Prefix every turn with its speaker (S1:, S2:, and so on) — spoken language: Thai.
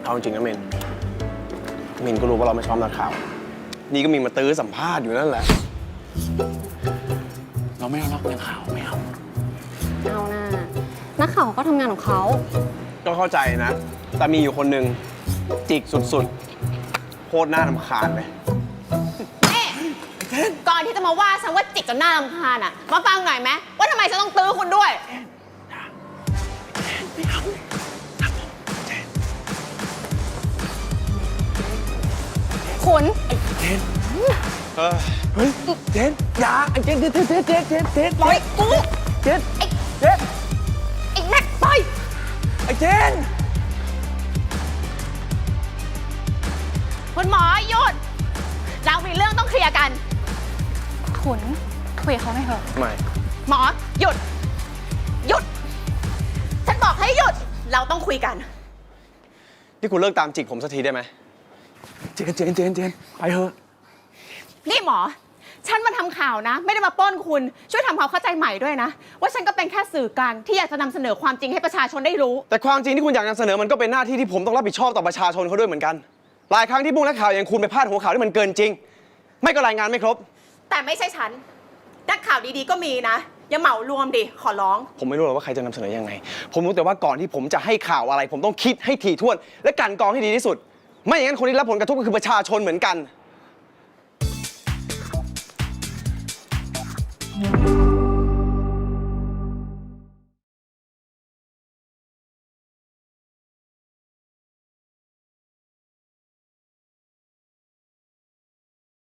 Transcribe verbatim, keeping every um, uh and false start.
S1: เอาจริงนะเมนมินก็รู้ว่าเราไม่ชอบนักข่าวนี่ก็มีมาตื้อสัมภาษณ์อยู่นั่นแหละเราไม่เอานักข่าวไม่เอา
S2: เอาหน้านักข่าวก็ทำงานของเขา
S1: ก็เข้าใจนะแต่มีอยู่คนหนึ่งจิกสุดๆโคตรน่ารำคาญเลย
S2: ก่อนที่จะมาว่าฉันว่าจิกจนหน้ารำคาญอ่ะมาฟังหน่อยไหมว่าทำไมฉันต้องตื้อคุณด้วย
S1: ไม่เอา
S2: คุณ
S1: ไอ้เจนเฮ้ยเจนอย่าไอ้เจนเจนเจนเจนเจนเจนเจน
S2: ปล่อยกู
S1: เจน
S2: ไอ้
S1: เจน
S2: ไอ้แม็กปล่อย
S1: ไอ้เจน
S2: คุณหมอหยุดเรามีเรื่องต้องเคลียร์กันขุนคุยกับเขาหน่อยเถอะ
S1: ไม่
S2: หมอหยุดหยุดฉันบอกให้หยุดเราต้องคุยกัน
S1: นี่คุณเลิกตามจิกผมสักทีได้ไหมเจนเจนเจนเจนไปเถอะ
S2: นี่หมอฉันมาทำข่าวนะไม่ได้มาปล้นคุณช่วยทำความเข้าใจใหม่ด้วยนะว่าฉันก็เป็นแค่สื่อกลางที่อยากจะนำเสนอความจริงให้ประชาชนได้รู้
S1: แต่ความจริงที่คุณอยากนำเสนอมันก็เป็นหน้าที่ที่ผมต้องรับผิดชอบต่อประชาชนเขาด้วยเหมือนกันหลายครั้งที่พวกนักข่าวอย่างคุณไปพาดหัวข่าวที่มันเกินจริงไม่ก็รายงานไม่ครบ
S2: แต่ไม่ใช่ฉันนักข่าวดีๆก็มีนะอย่าเหมารวมดิขอร้อง
S1: ผมไม่รู้หรอกว่าใครจะนำเสนอยังไงผมรู้แต่ว่าก่อนที่ผมจะให้ข่าวอะไรผมต้องคิดให้ถี่ถ้วนและกลั่นกรองให้ดีที่สุดไม่อย่างนั้นคนที่รับผลกระทบก็คือประชาชนเหมือนกัน